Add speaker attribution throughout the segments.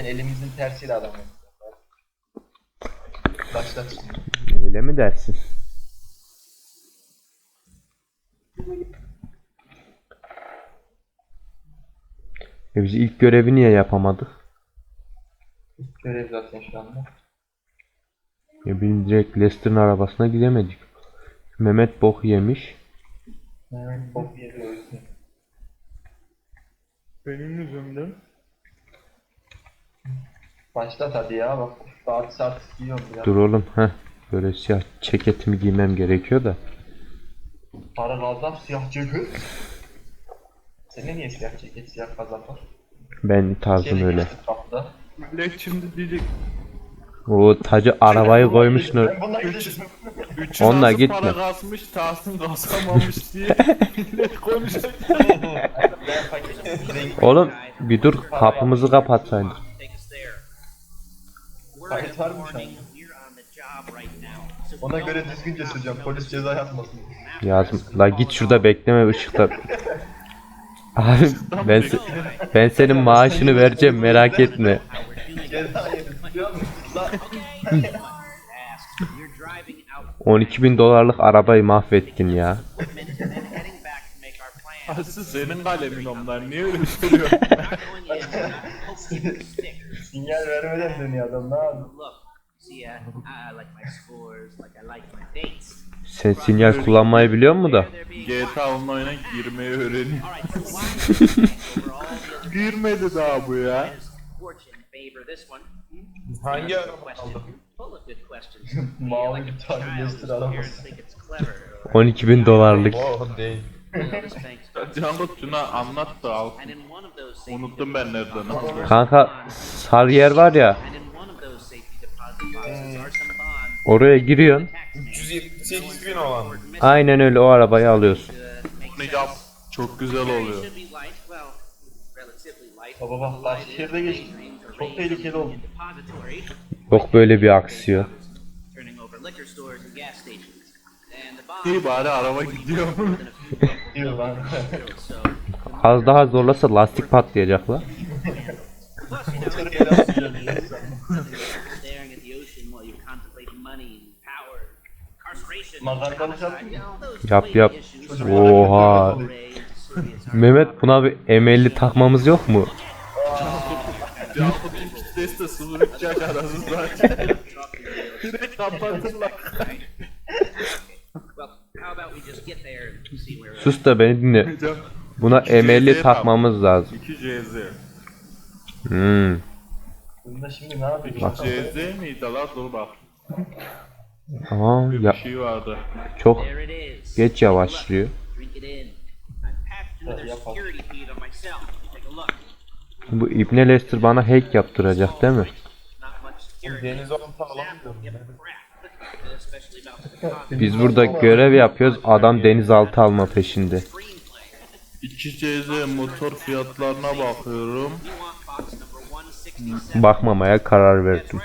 Speaker 1: Zaten elimizin tersiyle adam yapıyor. Başlat şimdi.
Speaker 2: Öyle mi dersin? Biz ilk görevi niye yapamadık?
Speaker 1: Görev zaten şu anda.
Speaker 2: Biz direkt Lester'ın arabasına gidemedik. Mehmet bok yemiş.
Speaker 1: Evet, bok yedi o yüzden.
Speaker 3: Benim yüzümden.
Speaker 1: Başlat hadi ya bak. Saat giyiyorum biraz.
Speaker 2: Dur oğlum, böyle siyah ceketimi giymem gerekiyor da.
Speaker 1: Para kazan siyah ceket. Senin niye siyah ceket, siyah kazak var?
Speaker 2: Ben tarzım öyle.
Speaker 1: geçtik kapıda.
Speaker 3: Millet şimdi diyecek.
Speaker 2: O tacı arabayı koymuş nur.
Speaker 1: Ben bununla gideceğim.
Speaker 3: Üçü
Speaker 2: Onunla
Speaker 3: nasıl
Speaker 2: gitme.
Speaker 3: para kasmış, Tahsin kasamamış diye millet konuşacak.
Speaker 1: Ben paketim.
Speaker 2: Oğlum bir dur, kapımızı kapatsaydık.
Speaker 1: Kayıt var mı şu an? Ona göre düzgünce süreceğim. Polis ceza yazmasın.
Speaker 2: Yazım. La git şurada bekleme ışıkta. Abi ben senin maaşını vereceğim, merak etme.
Speaker 1: Ceza yedin biliyor musun? Lan
Speaker 2: 12.000 dolarlık arabayı mahvettin ya.
Speaker 3: Aslı senin kalemin onlar, niye öyle söylüyorsun?
Speaker 1: sinyal vermeden dönüyor adam ne yapıyor?
Speaker 2: Sen sinyal kullanmayı biliyor musun da?
Speaker 3: GTA Online'a girmeyi öğreniyor. Girmedi daha bu ya.
Speaker 1: Hangi araba aldı? Mavi bir tane Leicester arabası.
Speaker 2: 12.000 dolarlık.
Speaker 1: Oh değil.
Speaker 3: Cangut şuna anlat da al. Unuttum ben nereden aldığımı.
Speaker 2: Kanka Sarıyer var ya, oraya giriyorsun.
Speaker 4: 378.000 olan.
Speaker 2: Aynen öyle, o arabayı alıyorsun.
Speaker 3: Bunu yap. Çok güzel oluyor.
Speaker 1: Baba bak şehirde geçti. Çok tehlikeli oldu.
Speaker 2: Yok böyle bir aksiyon.
Speaker 3: İyi bari araba gidiyor.
Speaker 1: Diyor lan.
Speaker 2: Az daha zorlasa lastik patlayacak la.
Speaker 1: Motoru ele atacağım diyor. Makarnalık yaptın mı?
Speaker 2: Yap. Oha. Mehmet, buna bir M50 takmamız yok mu?
Speaker 3: Cangut ilk kitlesi de 0-3 yaş arası zaten. Direkt kapatırlar.
Speaker 2: Sus da beni dinle. Buna M50 takmamız lazım.
Speaker 3: 2 CZ.
Speaker 1: Bunda şimdi ne yapıyorsun?
Speaker 2: Bak.
Speaker 3: CZ miydi la? Dur bak.
Speaker 2: Tamam
Speaker 3: Bir
Speaker 2: ya,
Speaker 3: şey vardı.
Speaker 2: çok geç yavaşlıyor. Bu İbne Lester bana hack yaptıracak değil mi?
Speaker 4: Deniz olta alamıyorum.
Speaker 2: Biz burada görev yapıyoruz, adam denizaltı alma peşinde.
Speaker 3: 2 CZ motor fiyatlarına bakıyorum.
Speaker 2: Bakmamaya karar verdim.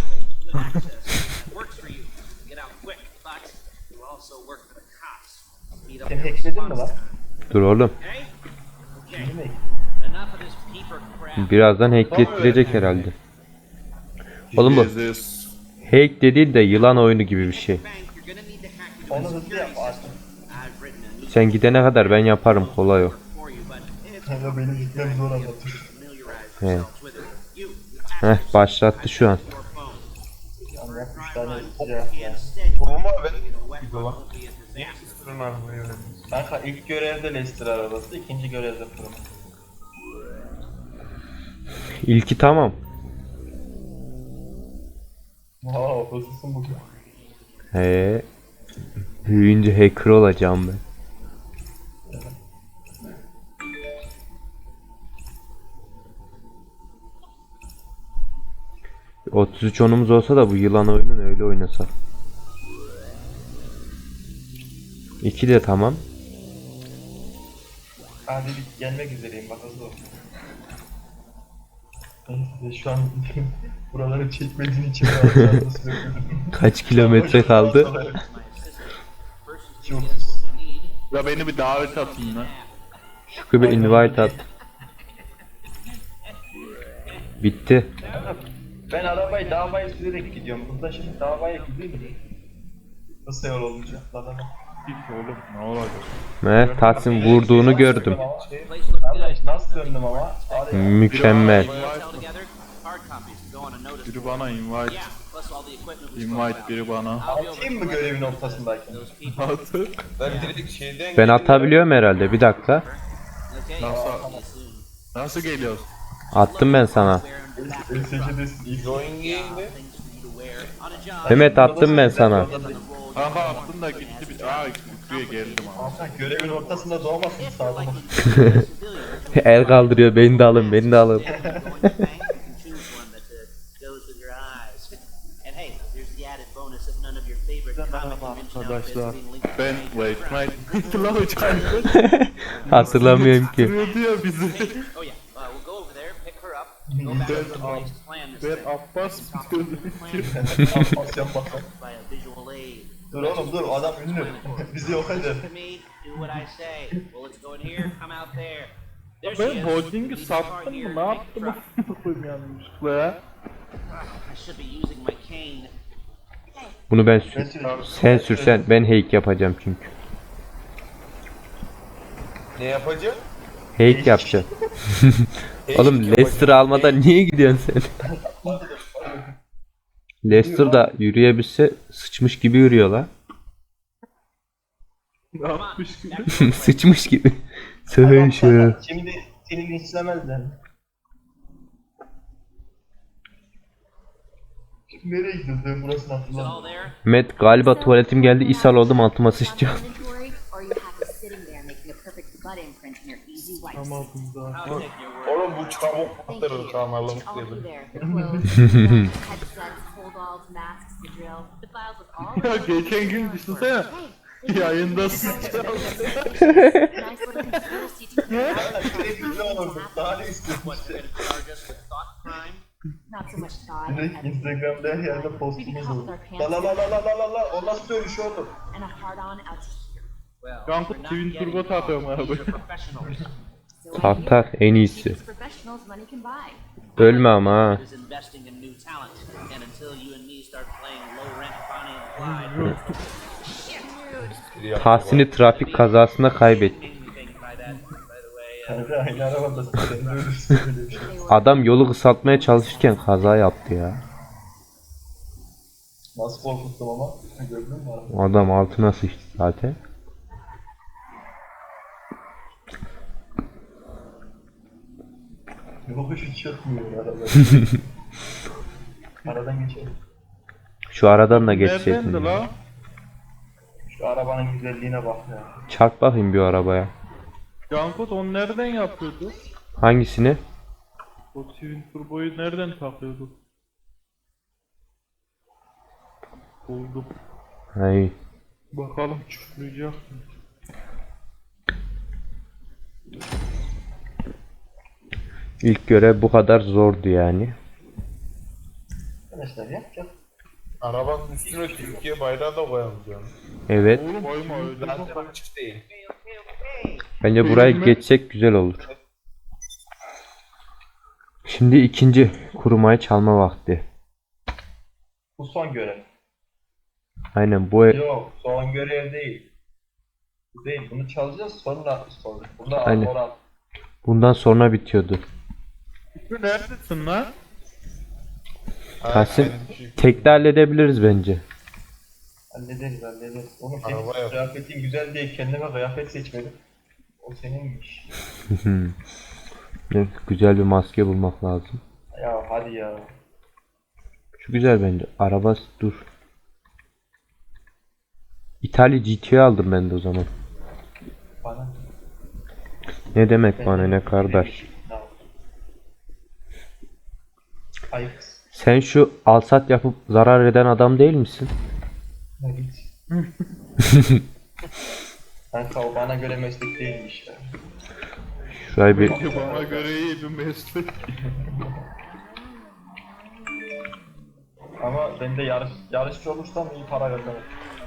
Speaker 1: Sen hackledin mi lan?
Speaker 2: Dur oğlum,
Speaker 1: Şimdi mi?
Speaker 2: birazdan hacklettirecek herhalde. Oğlum bu
Speaker 3: CZ
Speaker 2: hack dediğin de yılan oyunu gibi bir şey.
Speaker 1: Onu hızlı yap artık.
Speaker 2: Sen gidene kadar ben yaparım, kolay o.
Speaker 1: Kanka benim gitmem zor anlatır.
Speaker 2: He. Heh, başlattı şu an.
Speaker 1: Yani yap 3 tane cevap ya.
Speaker 4: Kuruma ben bir dolar. Lester'ın arabayı öğrendim.
Speaker 1: Kanka ilk görevde Leicester arabası, ikinci görevde Puma.
Speaker 2: İlki tamam.
Speaker 1: Wow, hızlısın bugün.
Speaker 2: He. Büyüyünce hacker olacağım ben. ...33 onumuz olsa da bu yılan oyununu öyle oynasak. 2 de tamam.
Speaker 1: Hadi bir gelmek üzereyim bak hızlı ol. Neyse şu an buraları çekmediğin için rahatlıkla sürdüm.
Speaker 2: Kaç kilometre kaldı?
Speaker 1: Çok.
Speaker 3: Ya beni bir davet atın lan.
Speaker 2: Şükrü bir invite at. Bitti.
Speaker 1: Ben arabayı davaya sürerek gidiyorum. Burada şimdi davaya gidiyor mu? Kısa yol olunca. Lan.
Speaker 3: Hiç oğlum ne olacak?
Speaker 2: Tahsin vurduğunu gördüm.
Speaker 1: Ama nasıl döndüm ama? Var ya.
Speaker 2: Mükemmel.
Speaker 3: Biri bana invite. Invite biri bana.
Speaker 1: Atayım mı görevin ortasındayken?
Speaker 3: Atı.
Speaker 4: Ben dedik şeyden
Speaker 2: Ben atabiliyorum herhalde. Bir dakika.
Speaker 3: Nasıl geliyoruz?
Speaker 2: Attım ben sana.
Speaker 4: join game'de
Speaker 2: Mehmet attım ben sana.
Speaker 3: Aha attın da gitti bir... Aa köye geldim ama.
Speaker 1: Hakan görevin ortasında doğmasın sağlıma.
Speaker 2: El kaldırıyor. Beni de alın. Beni de alın.
Speaker 3: Arkadaşlar ben wait hatırlamayacağım.
Speaker 2: Hatırlamıyorum ki.
Speaker 3: Hatırlıyordu ya bizi. Ben Abbas
Speaker 1: Abbas yapmasın. Dur oğlum dur adam ünlü. Bizi yok eder.
Speaker 3: Ben holding'i sattım mı? Ne yaptım? Koyayım yanlışlıkla ya.
Speaker 2: Bunu ben
Speaker 1: Ben
Speaker 2: sür.
Speaker 1: sürüyorum.
Speaker 2: Sen sürsen ben heyk yapacağım çünkü.
Speaker 4: ne yapacağım?
Speaker 2: Heyk yapacağım. Oğlum Leicester almadan niye gidiyorsun sen? Leicester da yürüyebilse sıçmış gibi yürüyor la.
Speaker 3: Ne yapmış gibi?
Speaker 2: Sıçmış gibi. Söyle şu.
Speaker 1: Şimdi seni linçlemezler. Nereye gidiyorsun? Ben burasını hatırlamıyorum.
Speaker 2: Met galiba tuvaletim geldi. İshal oldum altıma sıçacağım.
Speaker 3: Ama bunda.
Speaker 4: Oğlum bu çabuk batırır kanalım dedim.
Speaker 3: Ya geçen gün düşünsene. Yayında sıçacağım.
Speaker 1: Ne olurdu? Daha ne istiyorsun işte? Direkt Instagram'da her yerde postumuz olur. La la la la la la la la. O nasıl dönüş oğlum?
Speaker 3: Kanka Twin Turbo takıyorum arabayı.
Speaker 2: Tak tak en iyisi. Ölme ama ha. Tahsin'i trafik kazasında kaybettik.
Speaker 1: Kanka aynı arabada sen de ölürsün böyle bir şey.
Speaker 2: Adam yolu kısaltmaya çalışırken kaza yaptı ya.
Speaker 1: Nasıl korkuttum ama? Gördün mü arabayı?
Speaker 2: O adam altına sıçtı zaten.
Speaker 1: Yokuşu çıkmıyor araba. Aradan geçelim.
Speaker 2: Şu aradan da
Speaker 3: Neredendi
Speaker 2: geçseydin.
Speaker 3: la?
Speaker 1: Şu arabanın güzelliğine bak ya.
Speaker 2: Çarp bakayım bir arabaya.
Speaker 3: Cankut onu nereden yapıyordu?
Speaker 2: Hangisini?
Speaker 3: O Twin Turbo'yu nereden takıyordu? Buldum.
Speaker 2: Hay.
Speaker 3: Bakalım çuflayacak mı?
Speaker 2: İlk görev bu kadar zordu yani.
Speaker 1: Arkadaşlar yapacak.
Speaker 4: Arabanın üstüne Türkiye bayrağı da koyamayacağım.
Speaker 2: Evet.
Speaker 3: Oğlum koyma öyle.
Speaker 4: Zaten açık değil.
Speaker 2: Bence burayı geçsek güzel olur. Şimdi ikinci kurumayı çalma vakti.
Speaker 1: Bu son görev.
Speaker 2: Aynen bu
Speaker 1: Yok son görev değil. Bu değil. Bunu çalacağız sonra. Burada
Speaker 2: Aynen.
Speaker 1: Alboran.
Speaker 2: bundan sonra bitiyordu.
Speaker 3: Şu neredesin lan?
Speaker 2: Tahsin tekte halledebiliriz bence.
Speaker 1: Hallederiz. Oğlum
Speaker 4: Araba
Speaker 1: senin
Speaker 4: yok.
Speaker 1: kıyafetin güzel diye kendime kıyafet seçmedim. O seninmiş.
Speaker 2: Evet, güzel bir maske bulmak lazım.
Speaker 1: Ya hadi ya.
Speaker 2: Şu güzel bence. Araba dur. İtalya GT'yi aldım ben de o zaman.
Speaker 1: Bana.
Speaker 2: Ne demek bana ne kardeş.
Speaker 1: Ay
Speaker 2: Sen şu alsat yapıp zarar eden adam değil misin?
Speaker 1: ne git. Kanka o bana göre meslek değilmiş ya.
Speaker 2: Şurayı bir
Speaker 3: Bana göre iyi bir meslek.
Speaker 1: Ama ben de yarışçı olursam iyi para kazanırım.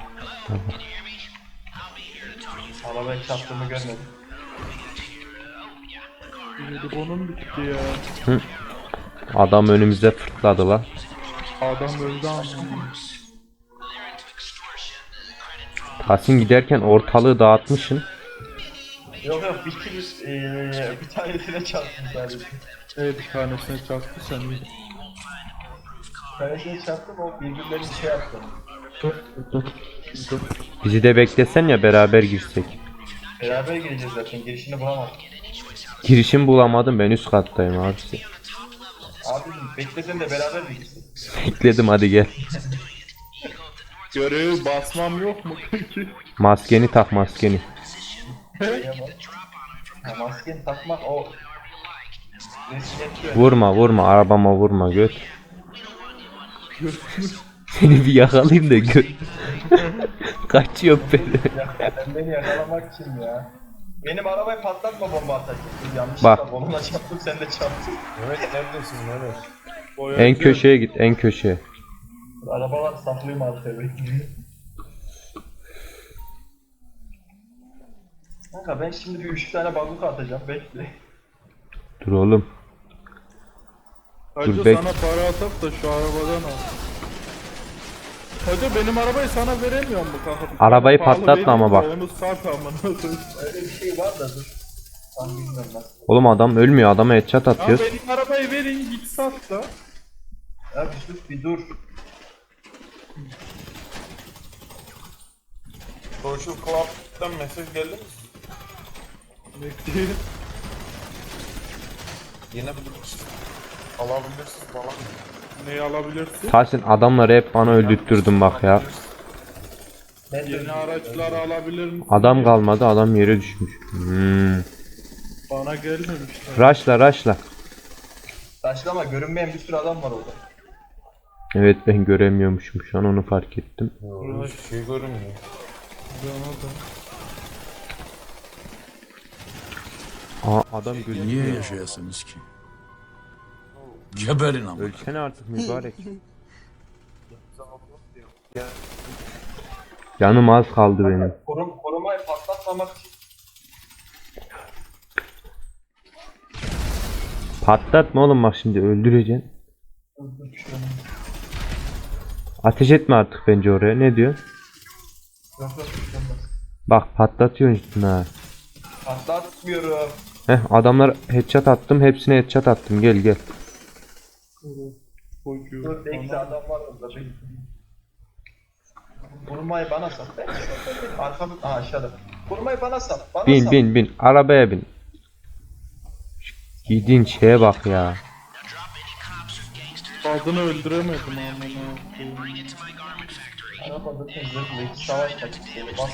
Speaker 1: Arabaya çarptığımı görmedim.
Speaker 3: Telefonum bitti ya.
Speaker 2: Adam önümüze fırtladı la.
Speaker 3: Adam öldü ama.
Speaker 2: Tahsin giderken ortalığı dağıtmışsın.
Speaker 1: Yok yok bir tanesine çarptım sadece.
Speaker 3: Bir tanesine çaktı sen de.
Speaker 1: Bir tanesine çarptım o birbirlerini şey yaptı.
Speaker 2: Bizi de beklesen ya beraber girsek.
Speaker 1: Beraber gireceğiz zaten girişini bulamadım.
Speaker 2: Girişim bulamadım, ben üst kattayım abisi.
Speaker 1: Abi beklesen de beraber mi gitsin?
Speaker 2: Bekledim, hadi gel.
Speaker 3: Görevi basmam yok mu peki?
Speaker 2: Maskeni tak, maskeni.
Speaker 1: Ha, maskeni takmak o risk yapıyor.
Speaker 2: Vurma arabama vurma, göt. Seni bir yakalayayım da gör. Kaçıyor beni.
Speaker 1: Ya, sen beni yakalamak için ya. Benim arabayı patlatma bomba atacaksın.
Speaker 2: Bak.
Speaker 1: Yanlışlıkla bomba çarptım sen de çarptın.
Speaker 5: Mehmet neredesin Mehmet?
Speaker 2: En köşeye git, en köşeye.
Speaker 1: Arabalar saklayayım arkaya bekliyor. Kanka ben şimdi bir 3 tane bazuka atacağım bekle.
Speaker 2: Dur oğlum.
Speaker 3: Hacı
Speaker 2: Dur, bek-
Speaker 3: sana para atak da şu arabadan al. Hacı benim arabayı sana veremiyor mu kanka?
Speaker 2: Arabayı
Speaker 3: Pahalı
Speaker 2: patlatma ama
Speaker 3: vereyim
Speaker 2: bak.
Speaker 3: de Onu sat amına koyayım.
Speaker 1: Öyle bir şey var da dur. Tam bilmiyorum ben.
Speaker 2: Oğlum adam ölmüyor, adama headshot
Speaker 3: Ya
Speaker 2: atıyor.
Speaker 3: benim arabayı verin git sat da.
Speaker 1: Ya bir sus bir dur.
Speaker 5: Social Club'dan mesaj geldi mi?
Speaker 3: Bekleyin.
Speaker 5: Yine alabilirsiniz falan.
Speaker 3: Neyi alabilirsin?
Speaker 2: Tahsin, adamları hep bana öldürttürdün bak ya.
Speaker 1: Ben de
Speaker 3: Yeni araçları alabilir misin?
Speaker 2: Adam kalmadı, adam yere düşmüş.
Speaker 3: Bana gelmemişler.
Speaker 2: Rushla.
Speaker 1: Taşlama görünmeyen bir sürü adam var orada.
Speaker 2: Evet, ben göremiyormuşum şu an, onu fark ettim.
Speaker 5: Hiçbir şey görünmüyor.
Speaker 3: Bana da.
Speaker 2: Adam
Speaker 6: Niye
Speaker 2: gözüküyor.
Speaker 6: yaşayasınız ki? Geberin ama.
Speaker 2: Ölsene artık mübarek. Canım az kaldı benim.
Speaker 1: Korumayı patlatmamak için.
Speaker 2: Patlatma oğlum, bak şimdi öldüreceksin.
Speaker 1: Dur, bir şey
Speaker 2: Ateş etme artık bence oraya, ne diyor?
Speaker 1: Yok bir şey olmaz.
Speaker 2: Bak patlatıyorsun işte ha.
Speaker 1: Patlatmıyorum.
Speaker 2: Adamlar headshot attım, hepsine headshot attım, gel.
Speaker 1: Dur bekle adam var orada bekle. Korumayı bana sat. Arkamı aşağıda. Korumayı bana sat. Bana sat.
Speaker 2: Bin arabaya bin. Şu giydiğin şeye bak ya.
Speaker 3: Kadını öldüremedim amına koyayım.
Speaker 1: Araba zaten zırhlı. İki savaş taktiği. Bas.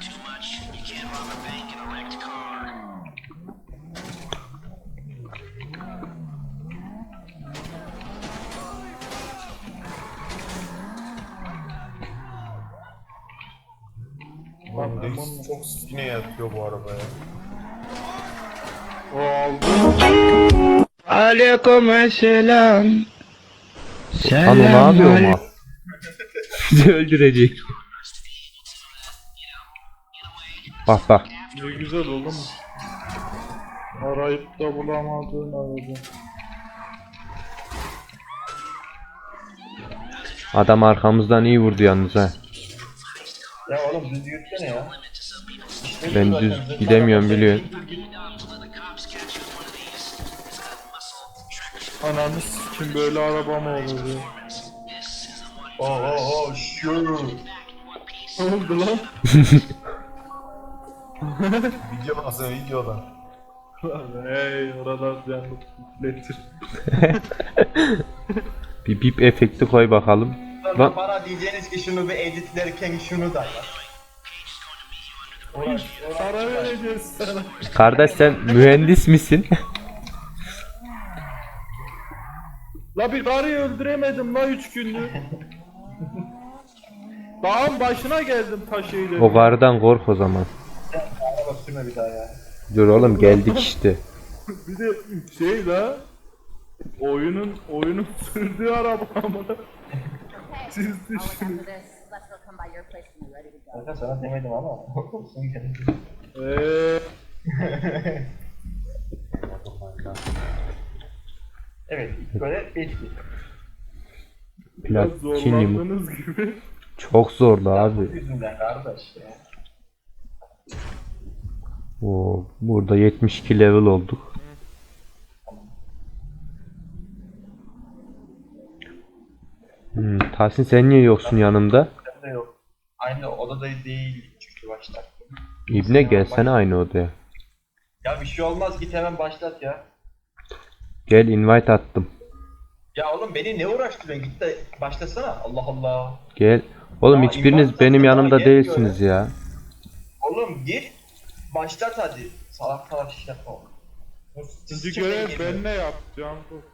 Speaker 5: Lan reis çok sikine yatıyor bu arabaya.
Speaker 3: O aldı.
Speaker 2: Lan o ne yapıyor ama? Bizi öldürecek. Bak.
Speaker 3: Ne güzel oğlum. Arayıp da bulamadığın araba.
Speaker 2: Adam arkamızdan iyi vurdu yalnız ha.
Speaker 1: Ya oğlum düz yürütsene ya. İşte
Speaker 2: Ben
Speaker 1: zaten
Speaker 2: düz
Speaker 1: zırhlı
Speaker 2: gidemiyorum,
Speaker 1: araba.
Speaker 2: biliyorsun.
Speaker 3: Ananı sikim böyle araba mı olur ya?
Speaker 1: Sure.
Speaker 3: Ne oldu lan?
Speaker 5: Video nasıl videoda?
Speaker 3: Hey oralar canlı letir.
Speaker 2: Bir bip efekti koy bakalım.
Speaker 1: Sonra bana diyeceğiniz ki şunu bir editlerken şunu da yap.
Speaker 3: Para vereceğiz sana.
Speaker 2: Kardeş, sen mühendis misin?
Speaker 3: La bir karıyı öldüremedim la 3 gündür. Dağın başına geldim taşıyla.
Speaker 2: O karıdan kork o zaman.
Speaker 1: Araba sürme bir daha ya.
Speaker 2: Dur oğlum, geldik işte.
Speaker 3: Bir de şey la. Oyunun sürdüğü araba amına. Siz düşünün.
Speaker 7: After this, Lester will come by your place when you're ready to go.
Speaker 1: Kanka sana demedim ama. Olsun gene. Evet, ilk görev belli.
Speaker 3: Biraz
Speaker 2: Platinyum.
Speaker 3: zorlandığınız gibi.
Speaker 2: Çok zordu
Speaker 1: Bu
Speaker 2: abi.
Speaker 1: yüzünden kardeş ya.
Speaker 2: Oo, burada 72 level olduk. Tahsin sen niye yoksun yanımda?
Speaker 1: Ben de yok. Aynı odada değil çünkü başlar.
Speaker 2: İbne gelsene aynı odaya.
Speaker 1: Ya bir şey olmaz, git hemen başlat ya.
Speaker 2: Gel invite attım.
Speaker 1: Ya oğlum beni ne uğraştırıyorsun, git de başlasana. Allah Allah.
Speaker 2: Gel. Oğlum
Speaker 1: Aa,
Speaker 2: hiçbiriniz
Speaker 1: invite
Speaker 2: benim
Speaker 1: attım,
Speaker 2: yanımda
Speaker 1: daha gelmiyor
Speaker 2: değilsiniz ya.
Speaker 1: Oğlum git başlat hadi. Salak salak iş yapma.
Speaker 3: İkinci görev ben ne yapacağım bu?